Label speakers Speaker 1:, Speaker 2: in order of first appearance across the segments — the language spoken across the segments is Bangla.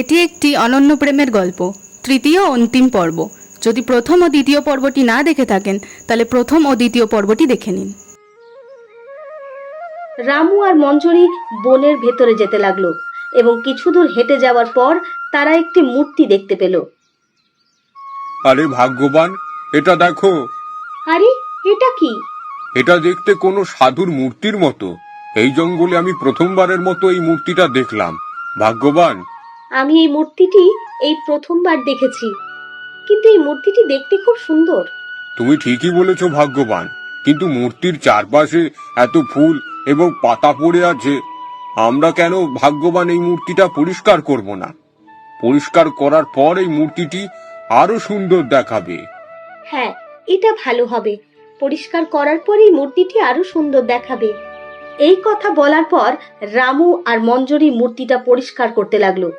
Speaker 1: এটি একটি অনন্য প্রেমের গল্প, তৃতীয় ও অন্তিম পর্ব। যদি প্রথম ও দ্বিতীয় পর্বটি না দেখে থাকেন তাহলে প্রথম ও দ্বিতীয় পর্বটি দেখে নিন।
Speaker 2: রামু আর মঞ্জরি বনের ভেতরে যেতে লাগলো এবং কিছু দূর হেঁটে যাওয়ার পর তারা একটি মূর্তি দেখতে পেল।
Speaker 3: আরে ভাগ্যবান, এটা দেখো।
Speaker 2: আরে এটা কি?
Speaker 3: এটা দেখতে কোনো সাধুর মূর্তির মতো। এই জঙ্গলে আমি প্রথমবারের মতো এই মূর্তিটা দেখলাম। ভাগ্যবান,
Speaker 2: আমি এই মূর্তিটি এই প্রথমবার দেখেছি, কিন্তু এই মূর্তিটি দেখতে খুব সুন্দর।
Speaker 3: তুমি ঠিকই বলেছো ভাগ্যবান, কিন্তু মূর্তির চারপাশে এত ফুল এবং পাতা পড়ে আছে। আমরা কেন ভাগ্যবান এই মূর্তিটা পরিষ্কার করব না? পরিষ্কার করার পর এই মূর্তিটি আরো সুন্দর দেখাবে।
Speaker 2: হ্যাঁ, এটা ভালো হবে। পরিষ্কার করার পর এই মূর্তিটি আরো সুন্দর দেখাবে। এই কথা বলার পর রামু আর মঞ্জরি মূর্তিটা পরিষ্কার করতে লাগলো।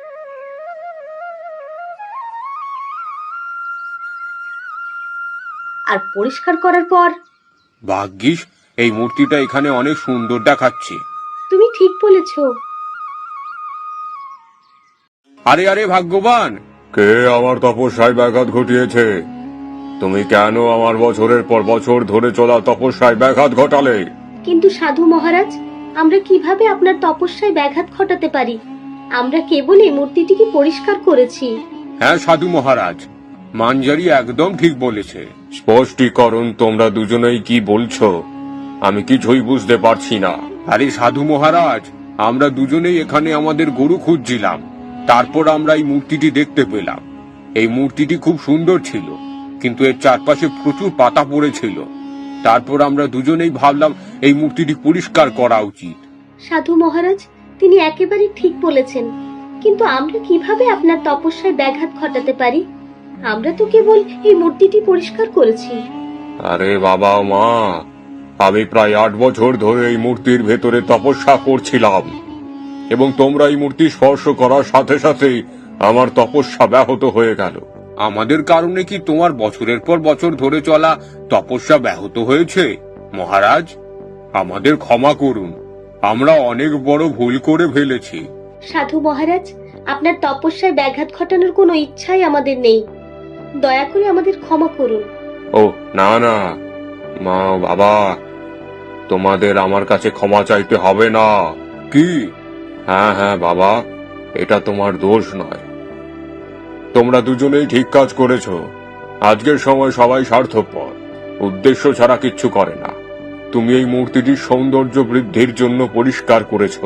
Speaker 2: আর পরিষ্কার করার পর,
Speaker 3: ভাগ্যিস এই মূর্তিটা এখানে অনেক সুন্দর দেখাচ্ছে।
Speaker 2: তুমি ঠিক বলেছো।
Speaker 3: আরে আরে ভাগ্যবান, কে আমার তপস্যায় ব্যাঘাত ঘটিয়েছে? তুমি কেন আমার বছরের পর বছর ধরে চলা তপস্যায় ব্যাঘাত ঘটালে?
Speaker 2: কিন্তু সাধু মহারাজ, আমরা কিভাবে আপনার তপস্যায় ব্যাঘাত ঘটাতে পারি? আমরা কেবল এই মূর্তিটিকে পরিষ্কার করেছি।
Speaker 3: হ্যাঁ সাধু মহারাজ, মাঞ্জারি একদম ঠিক বলেছে। স্পষ্টীকরণ, তোমরা দুজনেই কি বলছো আমি কিছুই বুঝতে পারছি না। আরে সাধু মহারাজ, আমরা দুজনেই এখানে আমাদের গরু খুঁজছিলাম। তারপর আমরা এই মূর্তিটি দেখতে পেলাম। এই মূর্তিটি খুব সুন্দর ছিল, কিন্তু এর চারপাশে প্রচুর পাতা পড়েছিল। তারপর আমরা দুজনেই ভাবলাম এই মূর্তিটি পরিষ্কার করা উচিত।
Speaker 2: সাধু মহারাজ, তিনি একেবারে ঠিক বলেছেন, কিন্তু আমরা কিভাবে আপনার তপস্যায় ব্যাঘাত ঘটাতে পারি? আমরা তো কেবল এই মূর্তিটি পরিষ্কার করেছি।
Speaker 3: আরে বাবা মা, আমি প্রায় 8 বছর ধরে এই মূর্তির ভেতরে তপস্যা করছিলাম, এবং তোমরা এই মূর্তি স্পর্শ করার সাথে সাথে আমার তপস্যা ব্যাহত হয়ে গেল। আমাদের কারণে কি তোমার বছরের পর বছর ধরে চলা তপস্যা ব্যাহত হয়েছে? মহারাজ, আমাদের ক্ষমা করুন, আমরা অনেক বড় ভুল করে ফেলেছি।
Speaker 2: সাধু মহারাজ, আপনার তপস্যায় ব্যাঘাত ঘটানোর কোনো ইচ্ছাই আমাদের নেই। দয়া করে আমাদের ক্ষমা করুন।
Speaker 3: ও না না মা, বাবা, তোমাদের আমার কাছে ক্ষমা চাইতে হবে না। কি? হ্যাঁ হ্যাঁ বাবা, এটা তোমার দোষ নয়। তোমরা দুজনেই ঠিক কাজ করেছো। আজকের সময় সবাই স্বার্থপর, উদ্দেশ্য ছাড়া কিচ্ছু করে না। তুমি এই মূর্তিটির সৌন্দর্য বৃদ্ধির জন্য পরিষ্কার করেছো।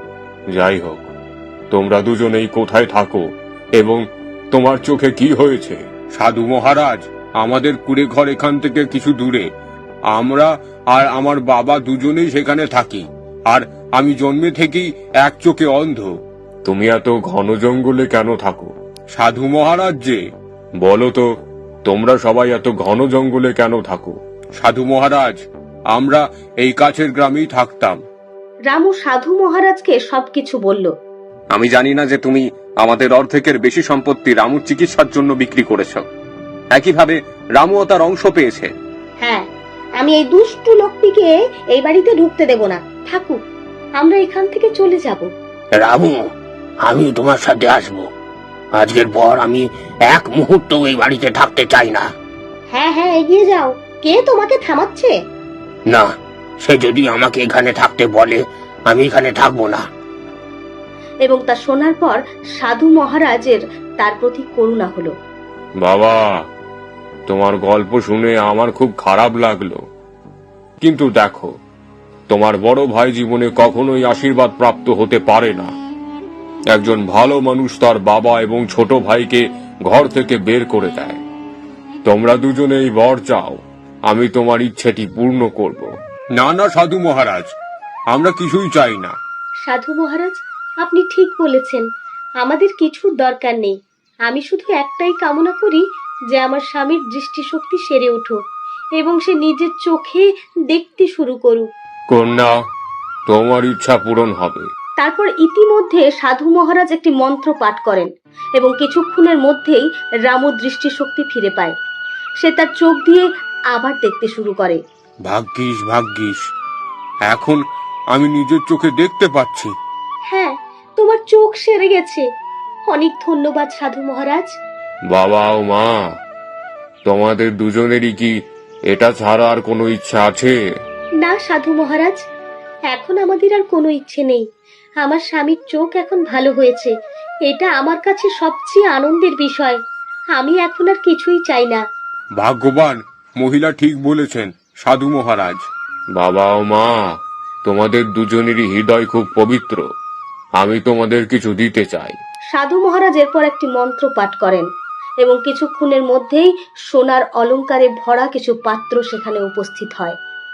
Speaker 3: যাই হোক, তোমরা দুজনেই কোথায় থাকো এবং তোমার চোখে কি হয়েছে? সাধু মহারাজ, আমাদের কুড়ে ঘর এখান থেকে কিছু দূরে। আমরা আর আমার বাবা দুজনেই সেখানে থাকি, আর আমি জন্মে থেকেই এক চোখে অন্ধ। তুমি এত ঘন জঙ্গলে কেন থাকো? সাধু মহারাজ যে, বলো তো, তোমরা সবাই এত ঘন জঙ্গলে কেন থাকো? সাধু মহারাজ, আমরা এই কাছের গ্রামেই থাকতাম।
Speaker 2: রামু সাধু মহারাজকে সবকিছু বলল।
Speaker 3: আমি জানি না যে তুমি আমাদের অর্ধেকের বেশি সম্পত্তি রামুর চিকিৎসার জন্য বিক্রি করেছ। একইভাবে রামুও তার অংশ পেয়েছে।
Speaker 2: হ্যাঁ, আমি এই দুষ্টু লোকটিকে এই বাড়িতে ঢুকতে দেব না। থাকুক, আমরা এখান থেকে চলে যাব।
Speaker 4: রামু, আমি তোমার সাথে আসবো। আজকের পর আমি এক মুহূর্ত এই বাড়িতে থাকতে চাই না।
Speaker 2: হ্যাঁ হ্যাঁ, এগিয়ে যাও। কে তোমাকে থামাচ্ছে?
Speaker 4: না, সে যদি আমাকে এখানে থাকতে বলে আমি এখানে থাকবো না।
Speaker 2: এবং তা শোনার পর সাধু মহারাজের তার প্রতি করুণা হলো।
Speaker 3: বাবা, তোমার গল্প শুনে আমার খুব খারাপ লাগলো, কিন্তু দেখো, তোমার বড় ভাই জীবনে কখনোই আশীর্বাদ প্রাপ্ত হতে পারে না। একজন ভালো মানুষ তার বাবা এবং ছোট ভাইকে ঘর থেকে বের করে দেয়। তোমরা দুজনেই বর চাও, আমি তোমার ইচ্ছেটি পূর্ণ করব। না না সাধু মহারাজ, আমরা কিছুই চাই না।
Speaker 2: সাধু মহারাজ, আপনি ঠিক বলেছেন, আমাদের কিছুর দরকার নেই। আমি শুধু একটাই কামনা করি যে আমার স্বামীর দৃষ্টিশক্তি সেরে উঠুক এবং সে নিজের চোখে দেখতে শুরু করুক।
Speaker 3: কন্যা, তোমার ইচ্ছা পূরণ হবে।
Speaker 2: তারপর ইতিমধ্যে সাধু মহারাজ একটি মন্ত্র পাঠ করেন এবং কিছুক্ষণের মধ্যেই রামু দৃষ্টিশক্তি ফিরে পায়। সে তার চোখ দিয়ে আবার দেখতে শুরু করে।
Speaker 3: ভাগ্যিস ভাগ্যিস, এখন আমি নিজের চোখে দেখতে পাচ্ছি।
Speaker 2: হ্যাঁ, তোমার চোখ সেরে গেছে। অনেক ধন্যবাদ সাধু মহারাজ।
Speaker 3: বাবা ও মা, তোমাদের দুজনেরই কি এটা ছাড়া আর কোনো ইচ্ছা আছে?
Speaker 2: না সাধু মহারাজ, এখন আমাদের আর কোনো ইচ্ছে নেই। আমার স্বামীর চোখ এখন ভালো হয়েছে, এটা আমার কাছে সবচেয়ে আনন্দের বিষয়। আমি এখন আর কিছুই চাই না।
Speaker 3: ভাগ্যবান মহিলা ঠিক বলেছেন সাধু মহারাজ। বাবা ও মা, তোমাদের দুজনেরই হৃদয় খুব পবিত্র। আমি তোমাদের কিছু দিতে চাই।
Speaker 2: সাধু মহারাজ এরপর একটি মন্ত্র পাঠ করেন এবং কিছুক্ষণের মধ্যেই সোনার অলংকারে ভরা কিছু পাত্র সেখানে উপস্থিত হয়।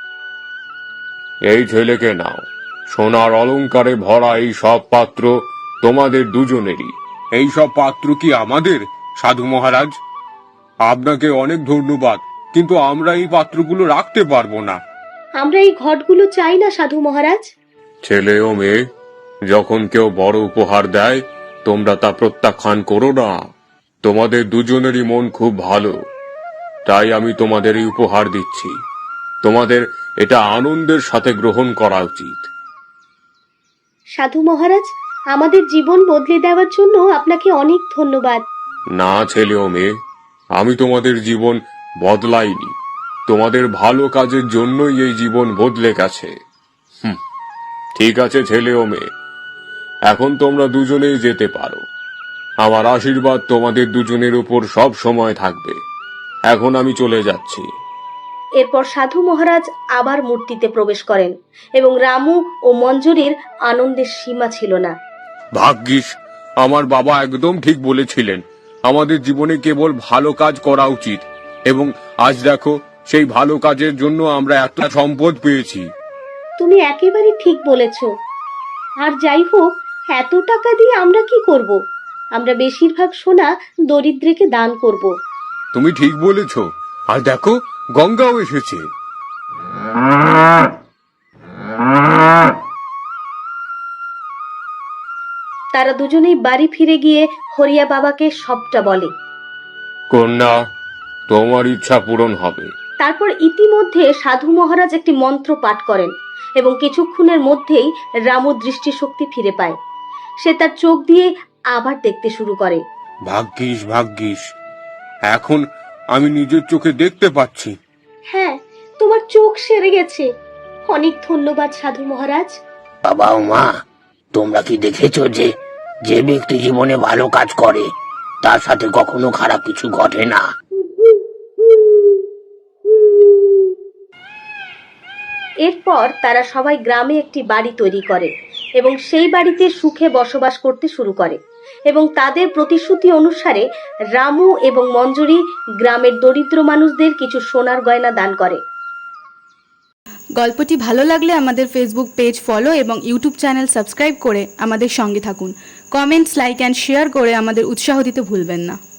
Speaker 3: এই ছেলেকে নাও, সোনার অলংকারে ভরা এই সব পাত্র তোমাদের দুজনেরই। এই সব পাত্র কি আমাদের সাধু মহারাজ? আপনাকে অনেক ধন্যবাদ, কিন্তু আমরা এই পাত্রগুলো রাখতে পারবো না।
Speaker 2: আমরা এই ঘটগুলো চাই না সাধু মহারাজ।
Speaker 3: ছেলে ও মেয়ে, যখন কেউ বড় উপহার দেয় তোমরা তা প্রত্যাখ্যান করো না। তোমাদের দুজনেরই মন খুব ভালো, তাই আমি তোমাদের এই উপহার দিচ্ছি। তোমাদের এটা আনন্দের সাথে গ্রহণ করা উচিত।
Speaker 2: সাধু মহারাজ, আমাদের জীবন বদলে দেওয়ার জন্য আপনাকে অনেক ধন্যবাদ।
Speaker 3: না ছেলে ও মেয়ে, আমি তোমাদের জীবন বদলাইনি, তোমাদের ভালো কাজের জন্যই এই জীবন বদলে গেছে। ঠিক আছে ছেলে ও মেয়ে, এখন তোমরা দুজনেই যেতে পারো। আমার আশীর্বাদ তোমাদের দুজনের উপর সব সময় থাকবে। এখন আমি চলে যাচ্ছি।
Speaker 2: এরপর সাধু মহারাজ আবার মূর্তিতে প্রবেশ করেন এবং রামু ও মঞ্জুরির আনন্দের সীমা ছিল না।
Speaker 3: ভাগ্যিস আমার বাবা একদম ঠিক বলেছিলেন, আমাদের জীবনে কেবল ভালো কাজ করা উচিত, এবং আজ দেখো সেই ভালো কাজের জন্য আমরা এত সম্পদ পেয়েছি।
Speaker 2: তুমি একেবারে ঠিক বলেছ। আর যাই হোক, এত টাকা দিয়ে আমরা কি করব? আমরা বেশিরভাগ সোনা দরিদ্রকে দান করব।
Speaker 3: তুমি ঠিক বলেছ। আর দেখো, গঙ্গাও এসেছে।
Speaker 2: তারা দুজনেই বাড়ি ফিরে গিয়ে হরিয়া বাবাকে সবটা বলে।
Speaker 3: কন্যা, তোমার ইচ্ছা পূরণ হবে।
Speaker 2: তারপর ইতিমধ্যে সাধু মহারাজ একটি মন্ত্র পাঠ করেন এবং কিছুক্ষণের মধ্যেই রামু দৃষ্টিশক্তি ফিরে পায়। সে তার চোখ দিয়ে আবার দেখতে শুরু করে।
Speaker 3: ভাগ্যিস ভাগ্যিস, এখন আমি নিজের চোখে দেখতে পাচ্ছি।
Speaker 2: হ্যাঁ, তোমার চোখ সেরে গেছে। অনেক ধন্যবাদ সাধু মহারাজ।
Speaker 4: বাবা ও মা, তোমরা কি দেখেছো যে যে ব্যক্তি জীবনে ভালো কাজ করে তার সাথে কখনো খারাপ কিছু ঘটে না?
Speaker 2: এরপর তারা সবাই গ্রামে একটি বাড়ি তৈরি করে এবং সেই বাড়িতে সুখে বসবাস করতে শুরু করে এবং তাদের প্রতিশ্রুতি অনুসারে রামু এবং মঞ্জুরি গ্রামের দরিদ্র মানুষদের কিছু সোনার গয়না দান করে।
Speaker 1: গল্পটি ভালো লাগলে আমাদের ফেসবুক পেজ ফলো এবং ইউটিউব চ্যানেল সাবস্ক্রাইব করে আমাদের সঙ্গে থাকুন। কমেন্টস, লাইক অ্যান্ড শেয়ার করে আমাদের উৎসাহ দিতে ভুলবেন না।